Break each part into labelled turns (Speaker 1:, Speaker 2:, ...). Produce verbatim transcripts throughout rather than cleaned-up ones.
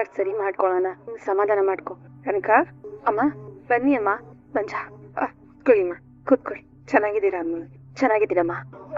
Speaker 1: ಮಾತಾಡ್ ಸರಿ ಮಾಡ್ಕೊಳ್ಳೋಣ. ಸಮಾಧಾನ ಮಾಡ್ಕೊ.
Speaker 2: ಕನಕ,
Speaker 1: ಅಮ್ಮ ಬನ್ನಿ ಅಮ್ಮ. ಮಂಜ
Speaker 2: ಕೂತ್ಕೊಳ್ಳಿಮ್ಮ, ಕೂತ್ಕೊಳ್ಳಿ. ಚೆನ್ನಾಗಿದ್ದೀರಾ ಅಮ್ಮ?
Speaker 1: ಚೆನ್ನಾಗಿದ್ದೀರಮ್ಮ.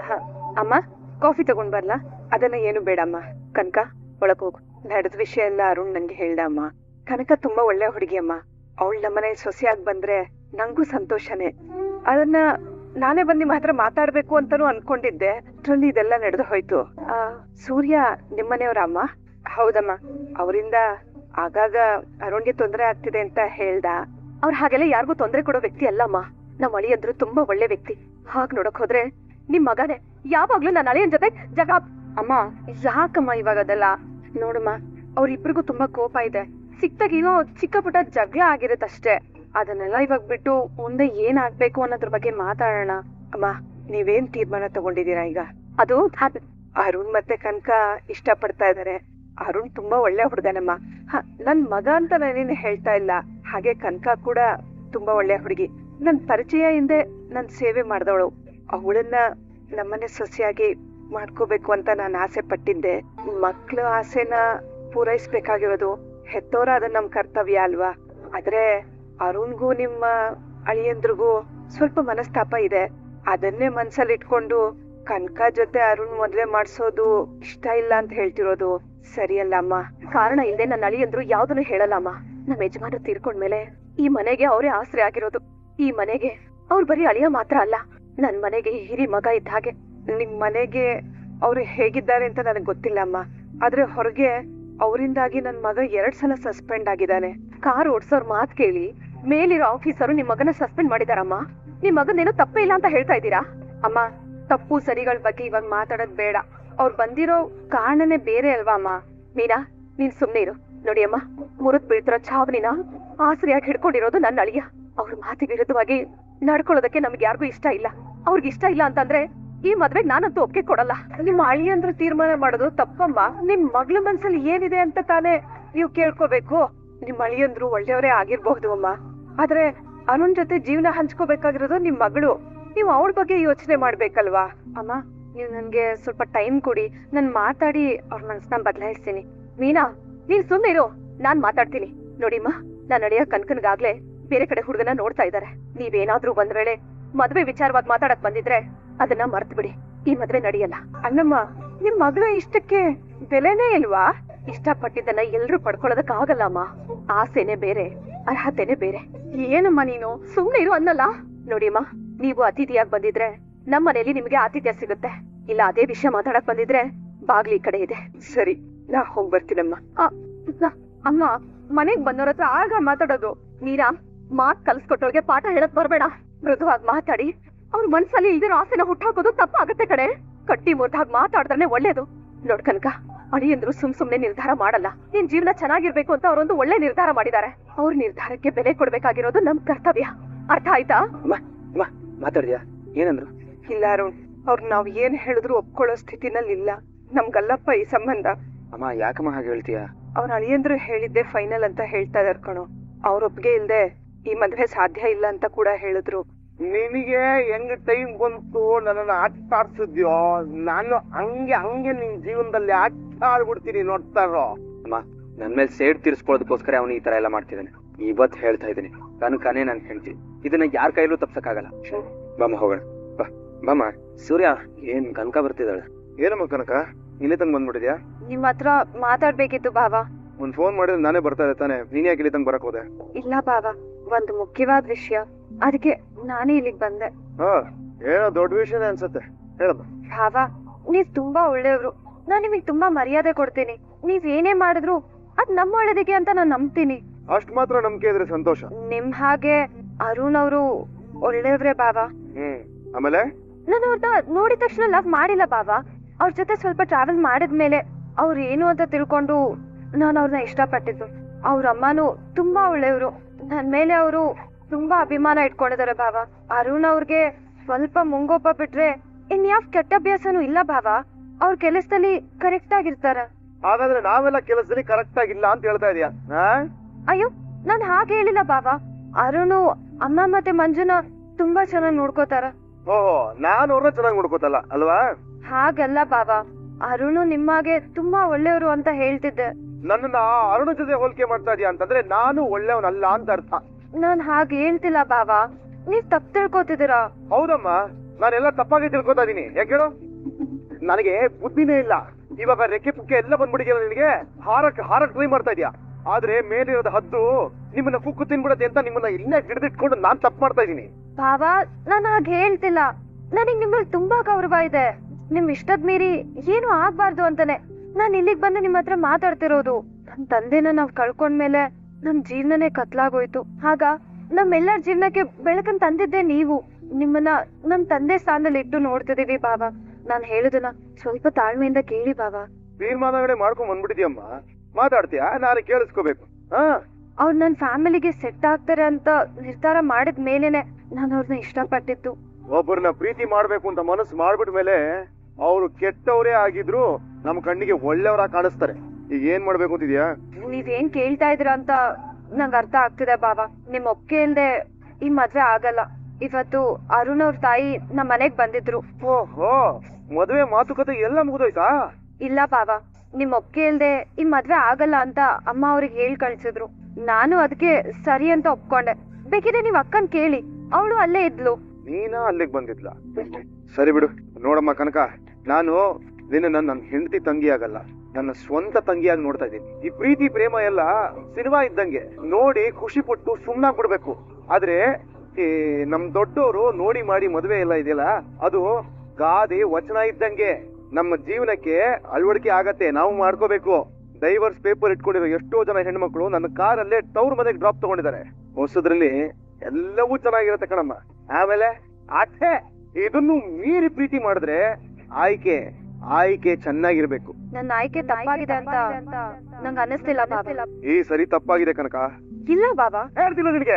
Speaker 2: ಅಮ್ಮ ಕಾಫಿ ತಗೊಂಡ್ ಬರ್ಲಾ? ಅದನ್ನ ಏನು ಬೇಡಮ್ಮ. ಕನಕ ಒಳಗ್ ಹೋಗು. ನಡೆದ ವಿಷಯ ಎಲ್ಲ ಅರುಣ್ ನಂಗೆ ಹೇಳ್ದ ಅಮ್ಮ. ಕನಕ ತುಂಬಾ ಒಳ್ಳೆ ಹುಡುಗಿ ಅಮ್ಮ. ಅವಳು ನಮ್ಮನೆ ಸೊಸೆಯಾಗಿ ಬಂದ್ರೆ ನಂಗೂ ಸಂತೋಷನೇ. ಅದನ್ನ ನಾನೇ ಬಂದ್ ನಿಮ್ ಹತ್ರ ಮಾತಾಡ್ಬೇಕು ಅಂತಾನು ಅನ್ಕೊಂಡಿದ್ದೆ. ಅದ್ರಲ್ಲಿ ಇದೆಲ್ಲ ನಡೆದು ಹೋಯ್ತು. ಆ ಸೂರ್ಯ ನಿಮ್ಮನೆಯವ್ರ ಅಮ್ಮ? ಹೌದಮ್ಮ. ಅವರಿಂದ ಆಗಾಗ ಅರುಣ್ಗೆ ತೊಂದರೆ ಆಗ್ತಿದೆ ಅಂತ ಹೇಳ್ದ.
Speaker 1: ಅವ್ರ ಹಾಗೆಲ್ಲ ಯಾರಿಗೂ ತೊಂದರೆ ಕೊಡೋ ವ್ಯಕ್ತಿ ಅಲ್ಲಮ್ಮ. ನಮ್ಮ ಅಳಿಯಂದ್ರು ತುಂಬಾ ಒಳ್ಳೆ ವ್ಯಕ್ತಿ. ಹಾಗ್ ನೋಡಕ್ ಹೋದ್ರೆ ನಿಮ್ ಮಗನೇ ಯಾವಾಗ್ಲೂ ನನ್ನ ಅಳಿಯನ್ ಜೊತೆ ಜಗ.
Speaker 2: ಅಮ್ಮ ಯಾಕಮ್ಮ ಇವಾಗ ಅದೆಲ್ಲ? ನೋಡಮ್ಮ, ಅವ್ರಿಬ್ರಿಗೂ ತುಂಬಾ ಕೋಪ ಇದೆ. ಸಿಕ್ತಾಗ ಏನೋ ಚಿಕ್ಕ ಪುಟ್ಟ ಜಗಳ ಆಗಿರತ್ತಷ್ಟೇ. ಅದನ್ನೆಲ್ಲ ಇವಾಗ ಬಿಟ್ಟು ಮುಂದೆ ಏನ್ ಆಗ್ಬೇಕು ಅನ್ನೋದ್ರ ಬಗ್ಗೆ ಮಾತಾಡೋಣ. ಅಮ್ಮ ನೀವೇನ್ ತೀರ್ಮಾನ ತಗೊಂಡಿದೀರಾ ಈಗ?
Speaker 1: ಅದು
Speaker 2: ಅರುಣ್ ಮತ್ತೆ ಕನಕ ಇಷ್ಟ ಪಡ್ತಾ ಇದಾರೆ. ಅರುಣ್ ತುಂಬಾ ಒಳ್ಳೆ ಹುಡುಗನಮ್ಮ. ಹ ನನ್ ಮಗ ಅಂತ ನಾನೇನು ಹೇಳ್ತಾ ಇಲ್ಲ. ಹಾಗೆ ಕನಕ ಕೂಡ ತುಂಬಾ ಒಳ್ಳೆ ಹುಡುಗಿ. ನನ್ ಪರಿಚಯ ಹಿಂದೆ ನನ್ ಸೇವೆ ಮಾಡ್ದವಳು. ಅವಳನ್ನ ನಮ್ಮನೆ ಸೊಸೆಯಾಗಿ ಮಾಡ್ಕೋಬೇಕು ಅಂತ ನಾನು ಆಸೆ ಪಟ್ಟಿದ್ದೆ. ಮಕ್ಳ ಆಸೆನ ಪೂರೈಸ್ಬೇಕಾಗಿರೋದು ಹೆತ್ತೋರ ಅದ ನಮ್ ಕರ್ತವ್ಯ ಅಲ್ವಾ? ಆದ್ರೆ ಅರುಣ್ಗೂ ನಿಮ್ಮ ಅಳಿಯಂದ್ರಿಗೂ ಸ್ವಲ್ಪ ಮನಸ್ತಾಪ ಇದೆ. ಅದನ್ನೇ ಮನ್ಸಲ್ಲಿ ಇಟ್ಕೊಂಡು ಕನಕ ಜೊತೆ ಅರುಣ್ ಮದ್ವೆ ಮಾಡ್ಸೋದು ಇಷ್ಟ ಇಲ್ಲ ಅಂತ ಹೇಳ್ತಿರೋದು ಸರಿಯಲ್ಲ ಅಮ್ಮ.
Speaker 1: ಕಾರಣ ಇಲ್ಲದೆ ನನ್ನ ಅಳಿಯಂದ್ರು ಯಾವ್ದನ್ನು ಹೇಳಲ್ಲಮ್ಮ. ನಮ್ಮ ಯಜಮಾನ ತೀರ್ಕೊಂಡ್ಮೇಲೆ ಈ ಮನೆಗೆ ಅವರೇ ಆಸರೆ ಆಗಿರೋದು. ಈ ಮನೆಗೆ ಅವ್ರು ಬರೀ ಅಳಿಯ ಮಾತ್ರ ಅಲ್ಲ, ನನ್ ಮನೆಗೆ ಹಿರಿ ಮಗ ಇದ್ದ ಹಾಗೆ.
Speaker 2: ನಿಮ್ ಮನೆಗೆ ಅವ್ರು ಹೇಗಿದ್ದಾರೆ ಅಂತ ನನಗ್ ಗೊತ್ತಿಲ್ಲ ಅಮ್ಮ. ಆದ್ರೆ ಹೊರಗೆ ಅವರಿಂದಾಗಿ ನನ್ ಮಗ ಎರಡ್ ಸಲ ಸಸ್ಪೆಂಡ್ ಆಗಿದ್ದಾನೆ.
Speaker 1: ಕಾರ್ ಓಡ್ಸೋರ್ ಮಾತ್ ಕೇಳಿ ಮೇಲಿರೋ ಆಫೀಸರು ನಿಮ್ ಮಗನ ಸಸ್ಪೆಂಡ್ ಮಾಡಿದಾರಮ್ಮ. ನಿಮ್ ಮಗನೇನೋ ತಪ್ಪೇ ಇಲ್ಲ ಅಂತ ಹೇಳ್ತಾ ಇದ್ದೀರಾ?
Speaker 2: ಅಮ್ಮ ತಪ್ಪು ಸರಿಗಳ ಬಗ್ಗೆ ಇವಾಗ ಮಾತಾಡೋದ್ ಬೇಡ. ಅವ್ರು ಬಂದಿರೋ ಕಾರಣನೇ ಬೇರೆ ಅಲ್ವಾ ಅಮ್ಮ?
Speaker 1: ಮೀನಾ ನೀನ್ ಸುಮ್ನೆ ಇರು. ನೋಡಿ ಅಮ್ಮ, ಮುರಿದ್ ಬೀಳ್ತಿರೋ ಛಾವಣಿನ ಆಸರಿಯಾಗಿ ಹಿಡ್ಕೊಂಡಿರೋದು ನನ್ನ ಅಳಿಯ. ಅವ್ರ ಮಾತಿಗೆ ವಿರುದ್ಧವಾಗಿ ನಡ್ಕೊಳ್ಳೋದಕ್ಕೆ ನಮ್ಗೆ ಯಾರಿಗೂ ಇಷ್ಟ ಇಲ್ಲ. ಅವ್ರಿಗೆ ಇಷ್ಟ ಇಲ್ಲ ಅಂತಂದ್ರೆ ಈ ಮದ್ವೆಗ್ ನಾನಂತೂ ಒಪ್ಪಿಗೆ ಕೊಡಲ್ಲ.
Speaker 2: ನಿಮ್ ಅಳಿಯಂದ್ರು ತೀರ್ಮಾನ ಮಾಡೋದು ತಪ್ಪಮ್ಮ. ನಿಮ್ ಮಗ್ಳ ಮನ್ಸಲ್ಲಿ ಏನಿದೆ ಅಂತ ತಾನೇ ನೀವು ಕೇಳ್ಕೋಬೇಕು. ನಿಮ್ ಅಳಿಯಂದ್ರು ಒಳ್ಳೆಯವರೇ ಆಗಿರ್ಬಹುದು ಅಮ್ಮ. ಆದ್ರೆ ಅರುಣ್ ಜೊತೆ ಜೀವನ ಹಂಚ್ಕೋಬೇಕಾಗಿರೋದು ನಿಮ್ ಮಗಳು. ನೀವು ಅವಳ ಬಗ್ಗೆ ಯೋಚನೆ ಮಾಡ್ಬೇಕಲ್ವಾ ಅಮ್ಮ? ನೀವು ನನ್ಗೆ ಸ್ವಲ್ಪ ಟೈಮ್ ಕೊಡಿ. ನಾನ್ ಮಾತಾಡಿ ಅವ್ರ ಮನ್ಸನ್ನ ಬದಲಾಯಿಸ್ತೀನಿ.
Speaker 1: ಮೀನಾ ನೀನ್ ಸುಮ್ನೆ ಇರು, ನಾನ್ ಮಾತಾಡ್ತೀನಿ. ನೋಡಿಮ್ಮ, ನಾನ್ ಅಳಿಯ ಕನ್ಕನ್ಗಾಗ್ಲೇ ಬೇರೆ ಕಡೆ ಹುಡುಗನ ನೋಡ್ತಾ ಇದ್ದಾರೆ. ನೀವೇನಾದ್ರೂ ಒಂದ್ ವೇಳೆ ಮದ್ವೆ ವಿಚಾರವಾಗಿ ಮಾತಾಡಕ್ ಬಂದಿದ್ರೆ ಅದನ್ನ ಮರ್ತ್ ಬಿಡಿ. ಈ ಮದ್ವೆ ನಡೆಯಲ್ಲ.
Speaker 2: ಅಣ್ಣಮ್ಮ, ನಿಮ್ ಮಗಳ ಇಷ್ಟಕ್ಕೆ ಬೆಲೆನೇ ಇಲ್ವಾ?
Speaker 1: ಇಷ್ಟಪಟ್ಟಿದ್ದನ್ನ ಎಲ್ರು ಪಡ್ಕೊಳ್ಳೋದಕ್ ಆಗಲ್ಲ ಅಮ್ಮ. ಆಸೆನೆ ಬೇರೆ, ಅರ್ಹತೆನೆ ಬೇರೆ.
Speaker 2: ಏನಮ್ಮ ನೀನು?
Speaker 1: ಸುಮ್ನೆ ಇರು ಅನ್ನಲ್ಲ. ನೋಡಿಮ್ಮ, ನೀವು ಅತಿಥಿಯಾಗಿ ಬಂದಿದ್ರೆ ನಮ್ಮ ಮನೇಲಿ ನಿಮ್ಗೆ ಆತಿಥ್ಯ ಸಿಗುತ್ತೆ. ಇಲ್ಲ ಅದೇ ವಿಷಯ ಮಾತಾಡಕ್ ಬಂದಿದ್ರೆ ಬಾಗ್ಲಿ ಈ ಕಡೆ ಇದೆ.
Speaker 2: ಸರಿ, ನಾ ಹೋಗ್ ಬರ್ತೀನಮ್ಮ.
Speaker 1: ಅಮ್ಮ, ಮನೆಗ್ ಬಂದವ್ರ ಹತ್ರ ಆಗ ಮಾತಾಡೋದು. ಮೀರಾ, ಮಾತ್ ಕಲ್ಸ್ಕೊಟ್ಟವ್ರಿಗೆ ಪಾಠ ಹೇಳಕ್ ಬರ್ಬೇಡ. ಮೃದುವಾಗಿ ಮಾತಾಡಿ ಅವ್ರ ಮನ್ಸಲ್ಲಿ ಇಲ್ದಿರೋ ಆಸೆನ ಹುಟ್ಟಾಕೋದು ತಪ್ಪಾಗತ್ತೆ ಕಡೆ. ಕಟ್ಟಿ ಮುರ್ದಾಗ್ ಮಾತಾಡಿದ್ರೆ ಒಳ್ಳೇದು. ನೋಡ್ ಕನಕ, ಅಳಿಯಂದ್ರು ಸುಮ್ ಸುಮ್ನೆ ನಿರ್ಧಾರ ಮಾಡಲ್ಲ. ನಿನ್ ಜೀವನ ಚೆನ್ನಾಗಿರ್ಬೇಕು ಅಂತ ಅವ್ರೊಂದು ಒಳ್ಳೆ ನಿರ್ಧಾರ ಮಾಡಿದ್ದಾರೆ. ಅವ್ರ ನಿರ್ಧಾರಕ್ಕೆ ಬೆಲೆ ಕೊಡ್ಬೇಕಾಗಿರೋದು ನಮ್ ಕರ್ತವ್ಯ. ಅರ್ಥ ಆಯ್ತಾ?
Speaker 3: ಮಾತಾಡಿದ್ಯಾ? ಏನಂದ್ರು?
Speaker 2: ಇಲ್ಲ ಅರುಣ್, ಅವ್ರು ನಾವ್ ಏನ್ ಹೇಳಿದ್ರು ಒಪ್ಕೊಳ್ಳೋ ಸ್ಥಿತಿನಲ್ಲಿ ಇಲ್ಲ. ನಮ್ಗಲ್ಲಪ್ಪ ಈ ಸಂಬಂಧ.
Speaker 3: ಅಮ್ಮ ಯಾಕಮ್ಮ ಹಾಗೆ ಹೇಳ್ತೀಯ?
Speaker 2: ಅವ್ರ ಅಳಿಯಂದ್ರು ಹೇಳಿದ್ದೆ ಫೈನಲ್ ಅಂತ ಹೇಳ್ತಾ ಇದಾರ್ ಕಣೋ. ಅವ್ರ ಒಪ್ಪಿಗೆ ಇಲ್ದೆ ಈ ಮದ್ವೆ ಸಾಧ್ಯ ಇಲ್ಲ ಅಂತ ಕೂಡ ಹೇಳಿದ್ರು.
Speaker 4: ನಿನಗೆ ಹೆಂಗ್ ಟೈಮ್ ಬಂತು ನನ್ನನ್ನು ಆಟ ಆಡ್ಸಿದ್ಯೋ, ನಾನು ಹಂಗೆ ಹಂಗೆ ನಿನ್ ಜೀವನದಲ್ಲಿ ಆಟ ಆಡ್ಬಿಡ್ತೀನಿ ನೋಡ್ತಾರೋ.
Speaker 3: ಅಮ್ಮ, ನನ್ ಮೇಲೆ ಸೇಡ್ ತೀರ್ಸ್ಕೊಳ್ಳೋದಕ್ಕೋಸ್ಕರ ಅವನು ಈ ತರ ಎಲ್ಲ ಮಾಡ್ತಿದ್ದಾನೆ. ಇವತ್ ಹೇಳ್ತಾ ಇದ್ದೀನಿ, ಕನಕನೇ ನನ್ ಹೆಂಡ್ತಿ. ಇದನ್ನ ಯಾರ ಕೈಲೂ ತಪ್ಸಕ್ಕಾಗಲ್ಲ. ಬಾಮ ಹೋಗೋಣ. ಬಾ ಬಾಮ. ಸೂರ್ಯ, ಏನ್ ಕನಕ ಬರ್ತಿದ್ದಾಳೆ?
Speaker 4: ಏನಮ್ಮ ಕನಕ, ಇಲ್ಲಿ ತಂಗ್ ಬಂದ್ಬಿಟ್ಟಿದ್ಯಾ?
Speaker 2: ನಿಮ್ ಹತ್ರ ಮಾತಾಡ್ಬೇಕಿತ್ತು ಬಾವ.
Speaker 4: ಒಂದ್ ಫೋನ್ ಮಾಡಿದ್ರೆ ನಾನೇ ಬರ್ತಾ ಇದ್ದೆ ತಾನೆ, ನೀನ್ ಯಾಕೆ ಇಲ್ಲಿ ತಂಗ್ ಬರಕ್ ಹೋದೆ?
Speaker 2: ಇಲ್ಲ ಬಾವ, ಒಂದು ಮುಖ್ಯವಾದ ವಿಷಯ, ಅದಕ್ಕೆ ನಾನೇ ಇಲ್ಲಿಗೆ ಬಂದೆ.
Speaker 4: ಹಾ, ಏನೋ ದೊಡ್ಡ ವಿಷಯನೇ ಅನ್ಸತ್ತೆ, ಹೇಳಮ್ಮ.
Speaker 2: ಭಾವ, ನೀವ್ ತುಂಬಾ ಒಳ್ಳೆಯವ್ರು. ನಾನ್ ನಿಮಗ್ ತುಂಬಾ ಮರ್ಯಾದೆ ಕೊಡ್ತೀನಿ. ನೀವ್ ಏನೇ ಮಾಡಿದ್ರು ಅದ್ ನಮ್ಮ ಒಳ್ಳೇದಿಗೆ ಅಂತ ನಾನ್ ನಂಬ್ತೀನಿ.
Speaker 4: ಅಷ್ಟ್ ಮಾತ್ರ ನಂಬಿಕೆ ಇದ್ರೆ ಸಂತೋಷ.
Speaker 2: ನಿಮ್ ಹಾಗೆ ಅರುಣ್ ಅವರು ಒಳ್ಳೆಯವ್ರೆ ಬಾವ.
Speaker 4: ಹ್ಮ್ ಆಮೇಲೆ
Speaker 2: ನಾನು ಅವ್ರನ್ನ ನೋಡಿದ ತಕ್ಷಣ ಲವ್ ಮಾಡಿಲ್ಲ ಬಾವ. ಅವ್ರ ಜೊತೆ ಸ್ವಲ್ಪ ಟ್ರಾವೆಲ್ ಮಾಡಿದ್ಮೇಲೆ ಅವ್ರು ಏನು ಅಂತ ತಿಳ್ಕೊಂಡು ನಾನು ಅವ್ರನ್ನ ಇಷ್ಟಪಟ್ಟಿದ್ದು. ಅವ್ರ ಅಮ್ಮನೂ ತುಂಬಾ ಒಳ್ಳೆಯವರು. ನನ್ ಮೇಲೆ ಅವರು ತುಂಬಾ ಅಭಿಮಾನ ಇಟ್ಕೊಂಡಿದ್ದಾರೆ ಭಾವ. ಅರುಣ್ ಅವ್ರಿಗೆ ಸ್ವಲ್ಪ ಮುಂಗೋಪ ಬಿಟ್ರೆ ಇನ್ಯಾವ್ ಕೆಟ್ಟ ಅಭ್ಯಾಸನೂ ಇಲ್ಲ ಭಾವ. ಅವ್ರ ಕೆಲಸದಲ್ಲಿ ಕರೆಕ್ಟ್ ಆಗಿರ್ತಾರ.
Speaker 4: ಹಾಗಾದ್ರೆ ನಾವೆಲ್ಲ ಕೆಲಸದಲ್ಲಿ ಕರೆಕ್ಟ್ ಆಗಿಲ್ಲ ಅಂತ ಹೇಳ್ತಾ ಇದೀಯಾ?
Speaker 2: ಅಯ್ಯೋ, ನಾನ್ ಹಾಗೆ ಹೇಳಿಲ್ಲ ಭಾವ. ಅರುಣು ಅಮ್ಮ ಮತ್ತೆ ಮಂಜುನ ತುಂಬಾ ಚೆನ್ನಾಗಿ ನೋಡ್ಕೋತಾರ.
Speaker 4: ಓಹೋ, ನಾನು ಅವ್ರನ್ನ ಚೆನ್ನಾಗಿ ನೋಡ್ಕೋತಲ್ಲ ಅಲ್ವಾ?
Speaker 2: ಹಾಗಲ್ಲ ಭಾವ, ಅರುಣು ನಿಮ್ಮಾಗೆ ತುಂಬಾ ಒಳ್ಳೆಯವರು ಅಂತ ಹೇಳ್ತಿದ್ದೆ.
Speaker 4: ನನ್ನನ್ನ ಅರುಣ ಜೊತೆ ಹೋಲಿಕೆ ಮಾಡ್ತಾ ಇದೀಯ ಅಂತಂದ್ರೆ ನಾನು ಒಳ್ಳೆಯವನಲ್ಲ ಅಂತ ಅರ್ಥ.
Speaker 1: ನಾನ್ ಹಾಗೆ ಹೇಳ್ತಿಲ್ಲ ಬಾವಾ, ನೀವ್ ತಪ್ಪು ತಿಳ್ಕೊತಿದ್ದೀರಾ.
Speaker 4: ಹೌದಮ್ಮ, ನಾನೆಲ್ಲ ತಪ್ಪಾಗಿ ತಿಳ್ಕೊತಾ ಇದೀನಿ. ಯಾಕೆ ಹೇಳು? ನನಗೆ ಬುದ್ಧಿನೇ ಇಲ್ಲ. ಇವಾಗ ರೆಕ್ಕೆ ಪುಕ್ಕೆ ಎಲ್ಲ ಬಂದ್ಬಿಟ್ಟಿದೆಯಲ್ಲ ನಿನಗೆ. ಹಾರಕ್ ಹಾರಕ್ ಟ್ರೈ ಮಾಡ್ತಾ ಇದೀಯಾ, ಆದ್ರೆ ಮೇಲಿರೋದ ಹದ್ದು ನಿಮ್ಮನ್ನ ಕುಕ್ಕು ತಿನ್ಬಿಡತ್ತೆ ಅಂತ ನಿಮ್ಮನ್ನ ಇಲ್ಲೇ ಹಿಡಿದಿಟ್ಕೊಂಡು ನಾನ್ ತಪ್ಪು ಮಾಡ್ತಾ ಇದೀನಿ.
Speaker 1: ಬಾವಾ, ನಾನ್ ಹಾಗೆ ಹೇಳ್ತಿಲ್ಲ. ನನಗ್ ನಿಮ್ಮಲ್ಲಿ ತುಂಬಾ ಗೌರವ ಇದೆ. ನಿಮ್ ಇಷ್ಟದ್ ಮೀರಿ ಏನು ಆಗ್ಬಾರ್ದು ಅಂತಾನೆ ನಾನ್ ಇಲ್ಲಿಗ್ ಬಂದು ನಿಮ್ ಹತ್ರ ಮಾತಾಡ್ತಿರೋದು. ನಮ್ ತಂದೆನ ನಾವ್ ಕಳ್ಕೊಂಡ್ಮೇಲೆ ನಮ್ ಜೀವನನೇ ಕತ್ಲಾಗೋಯ್ತು. ಆಗ ನಮ್ಮೆಲ್ಲರ ಜೀವನಕ್ಕೆ ಬೆಳಕನ್ ತಂದಿದ್ದೆ ನೀವು. ನಿಮ್ಮನ್ನ ನಮ್ ತಂದೆ ಸ್ಥಾನದಲ್ಲಿ ಇಟ್ಟು ನೋಡ್ತಿದೀವಿ ಬಾಬಾ. ನಾನ್ ಹೇಳುದನ್ನ ಸ್ವಲ್ಪ ತಾಳ್ಮೆಯಿಂದ ಕೇಳಿ ಬಾಬಾ.
Speaker 4: ತೀರ್ಮಾನಗಳೇ ಮಾಡ್ಕೊಂಡ್ ಬಂದ್ಬಿಟ್ಟಿದ್ಯಮ್ಮ, ಮಾತಾಡ್ತೀಯಾ? ನಾನು ಕೇಳಿಸ್ಕೋಬೇಕು. ಹಾ,
Speaker 1: ಅವ್ರು ನನ್ ಫ್ಯಾಮಿಲಿಗೆ ಸೆಟ್ ಆಗ್ತಾರೆ ಅಂತ ನಿರ್ಧಾರ ಮಾಡಿದ ಮೇಲೆನೆ ನಾನು ಅವ್ರನ್ನ ಇಷ್ಟಪಟ್ಟಿದ್ದು.
Speaker 4: ಒಬ್ಬರನ್ನ ಪ್ರೀತಿ ಮಾಡ್ಬೇಕು ಅಂತ ಮನಸ್ಸು ಮಾಡ್ಬಿಟ್ ಮೇಲೆ ಅವ್ರು ಕೆಟ್ಟವರೇ ಆಗಿದ್ರು ನಮ್ ಕಣ್ಣಿಗೆ ಒಳ್ಳೆಯವರಾಗಿ ಕಾಣಿಸ್ತಾರೆ. ಈಗ ಏನ್ ಮಾಡ್ಬೇಕು ಅಂತಿದ್ಯಾ?
Speaker 1: ನೀವೇನ್ ಕೇಳ್ತಾ ಇದ್ರ ಅಂತ ನಂಗ್ ಅರ್ಥ ಆಗ್ತಿದೆ ಬಾಬಾ. ನಿಮ್ ಒಪ್ಪಿಗೆ ಇಲ್ದೆ ಈ ಮದ್ವೆ ಆಗಲ್ಲ. ಇವತ್ತು ಅರುಣ್ ಅವ್ರ ತಾಯಿ ನಮ್ ಮನೆಗ್ ಬಂದಿದ್ರು.
Speaker 4: ಓಹೋ, ಮದುವೆ ಮಾತುಕತೆ ಎಲ್ಲ ಮುಗಿದೋಯ್ತಾ?
Speaker 1: ಇಲ್ಲ ಬಾಬಾ, ನಿಮ್ ಒಪ್ಪಿಗೆ ಇಲ್ದೆ ಈ ಮದ್ವೆ ಆಗಲ್ಲ ಅಂತ ಅಮ್ಮ ಅವ್ರಿಗೆ ಹೇಳ್ ಕಳ್ಸಿದ್ರು. ನಾನು ಅದಕ್ಕೆ ಸರಿ ಅಂತ ಒಪ್ಕೊಂಡೆ. ಬೇಕಿದ್ರೆ ನೀವ್ ಅಕ್ಕನ್ ಕೇಳಿ, ಅವಳು ಅಲ್ಲೇ ಇದ್ಲು.
Speaker 4: ನೀನಾ ಅಲ್ಲಿಗೆ ಬಂದಿದ್ಲ? ಸರಿ ಬಿಡು. ನೋಡಮ್ಮ ಕನಕ, ನಾನು ನಿನ್ನ ನನ್ನ ಹೆಂಡತಿ ತಂಗಿ ಆಗಲ್ಲ, ನನ್ನ ಸ್ವಂತ ತಂಗಿಯಾಗಿ ನೋಡ್ತಾ ಇದ್ದೀನಿ. ಈ ಪ್ರೀತಿ ಪ್ರೇಮ ಎಲ್ಲ ಸಿನಿಮಾ ಇದ್ದಂಗೆ, ನೋಡಿ ಖುಷಿ ಪಟ್ಟು ಸುಮ್ನಾಗ್ ಬಿಡ್ಬೇಕು. ಆದ್ರೆ ಈ ನಮ್ ದೊಡ್ಡವರು ನೋಡಿ ಮಾಡಿ ಮದುವೆ ಎಲ್ಲ ಇದೆಯಲ್ಲ, ಅದು ಗಾದೆ ವಚನ ಇದ್ದಂಗೆ. ನಮ್ಮ ಜೀವನಕ್ಕೆ ಅಳವಡಿಕೆ ಆಗತ್ತೆ, ನಾವು ಮಾಡ್ಕೋಬೇಕು. ಡೈವರ್ಸ್ ಪೇಪರ್ ಇಟ್ಕೊಂಡಿರೋ ಎಷ್ಟೋ ಜನ ಹೆಣ್ಮಕ್ಳು ನನ್ನ ಕಾರಲ್ಲೇ ತವ್ರ ಮನೆಗೆ ಡ್ರಾಪ್ ತಗೊಂಡಿದ್ದಾರೆ. ಹೊಸದ್ರಲ್ಲಿ ಎಲ್ಲವೂ ಚೆನ್ನಾಗಿರತ್ತೆ ಕಣಮ್ಮ. ಆಮೇಲೆ ಅಷ್ಟೇ, ಇದನ್ನು ಮೀರಿ ಪ್ರೀತಿ ಮಾಡಿದ್ರೆ ಆಯ್ಕೆ ಆಯ್ಕೆ ಚೆನ್ನಾಗಿರ್ಬೇಕು.
Speaker 1: ನನ್ನ ಆಯ್ಕೆ ತಪ್ಪಾಗಿದೆ ಅಂತ ನಂಗೆ ಅನ್ನಿಸ್ತಿಲ್ಲ ಬಾಬಾ.
Speaker 4: ಈ ಸರಿ ತಪ್ಪಾಗಿದೆ ಕನಕ.
Speaker 1: ಇಲ್ಲ ಬಾಬಾ,
Speaker 4: ಹೇಳ್ತಿಲ್ಲ ನಿನಗೆ.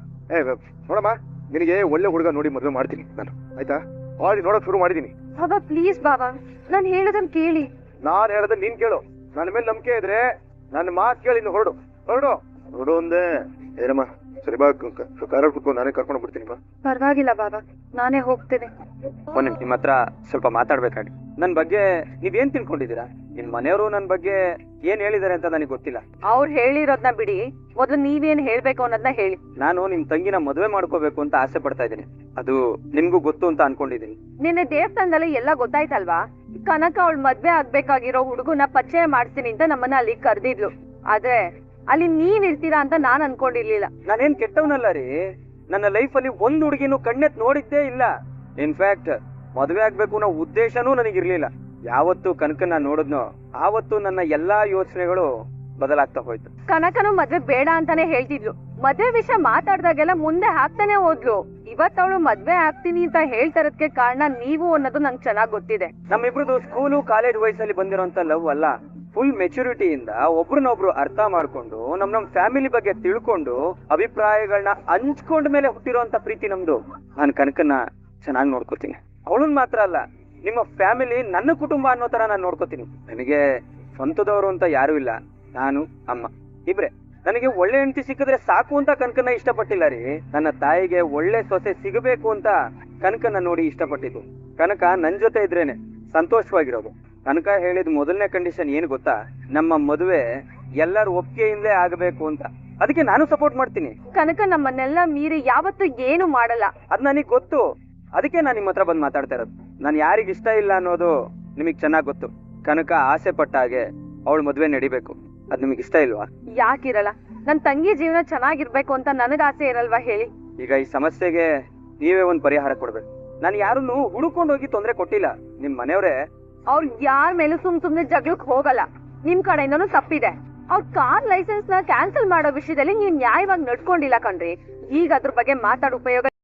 Speaker 4: ಏ ನೋಡಮ್ಮ, ನಿನಗೆ ಒಳ್ಳೆ ಹುಡುಗ ನೋಡಿ ಮದುವೆ ಮಾಡ್ತೀನಿ ನಾನು, ಆಯ್ತಾ? ಆಲ್ರೆಡಿ ನೋಡಕ್ ಶುರು ಮಾಡಿದೀನಿ.
Speaker 1: ಬಾಬಾ ಪ್ಲೀಸ್ ಬಾಬಾ, ನಾನ್ ಹೇಳೋದನ್ನ ಕೇಳಿ.
Speaker 4: ನಾನ್ ಹೇಳೋದನ್ನ ನೀನ್ ಕೇಳು. ನನ್ನ ಮೇಲೆ ನಂಬಿಕೆ ಇದ್ರೆ ನನ್ನ ಮಾತು ಕೇಳಿ ಇನ್ನು ಹೊರಡು ಹೊರಡು ಹೊರಡು ಒಂದೇ. ಏನಮ್ಮ, ಸರಿ ಬಾ, ಕಾರ ಕುತ್ಕೊಂಡು ನಾನೇ ಕರ್ಕೊಂಡು ಬಿಡ್ತೀನಿ ಬಾ.
Speaker 1: ಪರವಾಗಿಲ್ಲ ಬಾಬಾ, ನಾನೇ ಹೋಗ್ತೀನಿ.
Speaker 3: ಒಂದ್ ನಿಮ್ ಹತ್ರ ಸ್ವಲ್ಪ ಮಾತಾಡ್ಬೇಕಾಗಿ. ನನ್ ಬಗ್ಗೆ ನೀವೇನ್ ತಿಳ್ಕೊಂಡಿದ್ದೀರಾ? ನಿಮ್ ಮನೆಯವರು ನನ್ ಬಗ್ಗೆ ಏನ್ ಹೇಳಿದಾರೆ ಅಂತ ನನಗೆ ಗೊತ್ತಿಲ್ಲ.
Speaker 1: ಅವ್ರು ಹೇಳಿರೋದ್ನ ಬಿಡಿ, ಮೊದ್ಲು ನೀವೇನ್ ಹೇಳ್ಬೇಕು ಅನ್ನೋದನ್ನ ಹೇಳಿ.
Speaker 3: ನಾನು ನಿಮ್ ತಂಗಿನ ಮದುವೆ ಮಾಡ್ಕೋಬೇಕು ಅಂತ ಆಸೆ ಪಡ್ತಾ ಇದ್ದೀನಿ. ಅದು ನಿಮ್ಗೂ ಗೊತ್ತು ಅಂತ ಅನ್ಕೊಂಡಿದೀನಿ.
Speaker 1: ನಿನ್ನೆ ದೇವಸ್ಥಾನದಲ್ಲಿ ಎಲ್ಲ ಗೊತ್ತಾಯ್ತಲ್ವಾ? ಕನಕ ಅವಳು ಮದ್ವೆ ಆಗ್ಬೇಕಾಗಿರೋ ಹುಡುಗನ ಪರಿಚಯ ಮಾಡ್ತೀನಿ ಅಂತ ನಮ್ಮನ್ನ ಅಲ್ಲಿ ಕರ್ದಿದ್ಲು. ಆದ್ರೆ ಅಲ್ಲಿ ನೀವ್ ಇರ್ತೀರಾ ಅಂತ ನಾನ್ ಅನ್ಕೊಂಡಿರ್ಲಿಲ್ಲ.
Speaker 3: ನಾನೇನ್ ಕೆಟ್ಟವನಲ್ಲ ರೀ. ನನ್ನ ಲೈಫ್ ಅಲ್ಲಿ ಒಂದ್ ಹುಡುಗಿನೂ ಕಣ್ಣೆತ್ ನೋಡಿದ್ದೇ ಇಲ್ಲ. ಇನ್ಫ್ಯಾಕ್ಟ್ ಮದುವೆ ಆಗ್ಬೇಕು ಅನ್ನೋ ಉದ್ದೇಶನೂ ನನಗಿರ್ಲಿಲ್ಲ. ಯಾವತ್ತು ಕನಕನ್ನ ನೋಡಿದ್ನೋ ಆವತ್ತು ನನ್ನ ಎಲ್ಲಾ ಯೋಚನೆಗಳು ಬದಲಾಗ್ತಾ ಹೋಯ್ತು.
Speaker 1: ಕನಕನು ಮದ್ವೆ ಬೇಡ ಅಂತಾನೆ ಹೇಳ್ತಿದ್ಲು. ಮದ್ವೆ ವಿಷಯ ಮಾತಾಡ್ದಾಗೆಲ್ಲ ಮುಂದೆ ಹಾಕ್ತಾನೆ ಹೋದ್ಲು. ಇವತ್ ಅವಳು ಮದ್ವೆ ಆಗ್ತೀನಿ ಅಂತ ಹೇಳ್ತಾರದಕ್ಕೆ ಕಾರಣ ನೀವು ಅನ್ನೋದು ನಂಗೆ ಚೆನ್ನಾಗ್ ಗೊತ್ತಿದೆ.
Speaker 3: ನಮ್ಮಿಬ್ರದ್ದು ಸ್ಕೂಲು ಕಾಲೇಜ್ ವಯಸ್ಸಲ್ಲಿ ಬಂದಿರೋಂತ ಲವ್ ಅಲ್ಲ. ಫುಲ್ ಮೆಚುರಿಟಿಯಿಂದ ಒಬ್ರನ್ನೊಬ್ರು ಅರ್ಥ ಮಾಡ್ಕೊಂಡು ನಮ್ ನಮ್ ಫ್ಯಾಮಿಲಿ ಬಗ್ಗೆ ತಿಳ್ಕೊಂಡು ಅಭಿಪ್ರಾಯಗಳನ್ನ ಹಂಚ್ಕೊಂಡ ಮೇಲೆ ಹುಟ್ಟಿರೋಂತ ಪ್ರೀತಿ ನಮ್ದು. ನಾನು ಕನಕನ್ನ ಚೆನ್ನಾಗಿ ನೋಡ್ಕೋತೀನಿ. ಅವಳನ್ ಮಾತ್ರ ಅಲ್ಲ, ನಿಮ್ಮ ಫ್ಯಾಮಿಲಿ ನನ್ನ ಕುಟುಂಬ ಅನ್ನೋ ತರ ನಾನು ನೋಡ್ಕೋತೀನಿ. ನನಗೆ ಸ್ವಂತದವರು ಅಂತ ಯಾರು ಇಲ್ಲ. ನಾನು ಅಮ್ಮ ಇಬ್ರೆ. ನನಗೆ ಒಳ್ಳೆ ಹೆಂಡತಿ ಸಿಕ್ಕಿದ್ರೆ ಸಾಕು ಅಂತ ಕನಕನ್ನ ಇಷ್ಟಪಟ್ಟಿಲ್ಲ ರೀ. ನನ್ನ ತಾಯಿಗೆ ಒಳ್ಳೆ ಸೊಸೆ ಸಿಗಬೇಕು ಅಂತ ಕನಕನ್ನ ನೋಡಿ ಇಷ್ಟಪಟ್ಟಿದ್ದು. ಕನಕ ನನ್ ಜೊತೆ ಇದ್ರೇನೆ ಸಂತೋಷವಾಗಿರೋದು. ಕನಕ ಹೇಳಿದ ಮೊದಲನೇ ಕಂಡೀಷನ್ ಏನು ಗೊತ್ತಾ? ನಮ್ಮ ಮದುವೆ ಎಲ್ಲರ ಒಪ್ಪಿಗೆಯಿಂದಲೇ ಆಗಬೇಕು ಅಂತ. ಅದಕ್ಕೆ ನಾನು ಸಪೋರ್ಟ್ ಮಾಡ್ತೀನಿ.
Speaker 1: ಕನಕ ನಮ್ಮನ್ನೆಲ್ಲ ಮೀರಿ ಯಾವತ್ತೂ ಏನು ಮಾಡಲ್ಲ.
Speaker 3: ಅದ್ ನನಗ್ ಗೊತ್ತು. ಅದಕ್ಕೆ ನಾನು ನಿಮ್ಮ ಹತ್ರ ಬಂದು ಮಾತಾಡ್ತಾ ಇರೋದು. ನಾನು ಯಾರಿಗ ಇಷ್ಟ ಇಲ್ಲ ಅನ್ನೋದು ನಿಮಗ್ ಚೆನ್ನಾಗ್ ಗೊತ್ತು. ಕನಕ ಆಸೆ ಪಟ್ಟ ಹಾಗೆ ಅವಳು ಮದ್ವೆ ನಡಿಬೇಕು. ಅದ್ ನಿಮಗ್ ಇಷ್ಟ ಇಲ್ವಾ?
Speaker 1: ಯಾಕಿರಲ್ಲ, ನನ್ ತಂಗಿ ಜೀವನ ಚೆನ್ನಾಗಿರ್ಬೇಕು ಅಂತ ನನಗ ಆಸೆ ಇರಲ್ವಾ ಹೇಳಿ?
Speaker 3: ಈಗ ಈ ಸಮಸ್ಯೆಗೆ ನೀವೇ ಒಂದ್ ಪರಿಹಾರ ಕೊಡ್ಬೇಕು. ನಾನು ಯಾರನ್ನು ಹುಡುಕೊಂಡು ಹೋಗಿ ತೊಂದ್ರೆ ಕೊಟ್ಟಿಲ್ಲ. ನಿಮ್ ಮನೆಯವ್ರೆ
Speaker 1: ಅವ್ರ ಯಾರ ಮೇಲೂ ಸುಮ್ ಸುಮ್ನೆ ಜಗಳಕ್ ಹೋಗಲ್ಲ. ನಿಮ್ ಕಡೆಯಿಂದನೂ ತಪ್ಪಿದೆ. ಅವ್ರ ಕಾರ್ ಲೈಸೆನ್ಸ್ ನ ಕ್ಯಾನ್ಸಲ್ ಮಾಡೋ ವಿಷಯದಲ್ಲಿ ನೀವ್ ನ್ಯಾಯವಾಗಿ ನಡ್ಕೊಂಡಿಲ್ಲ ಕಣ್ರಿ. ಈಗ ಅದ್ರ ಬಗ್ಗೆ ಮಾತಾಡೋ ಉಪಯೋಗ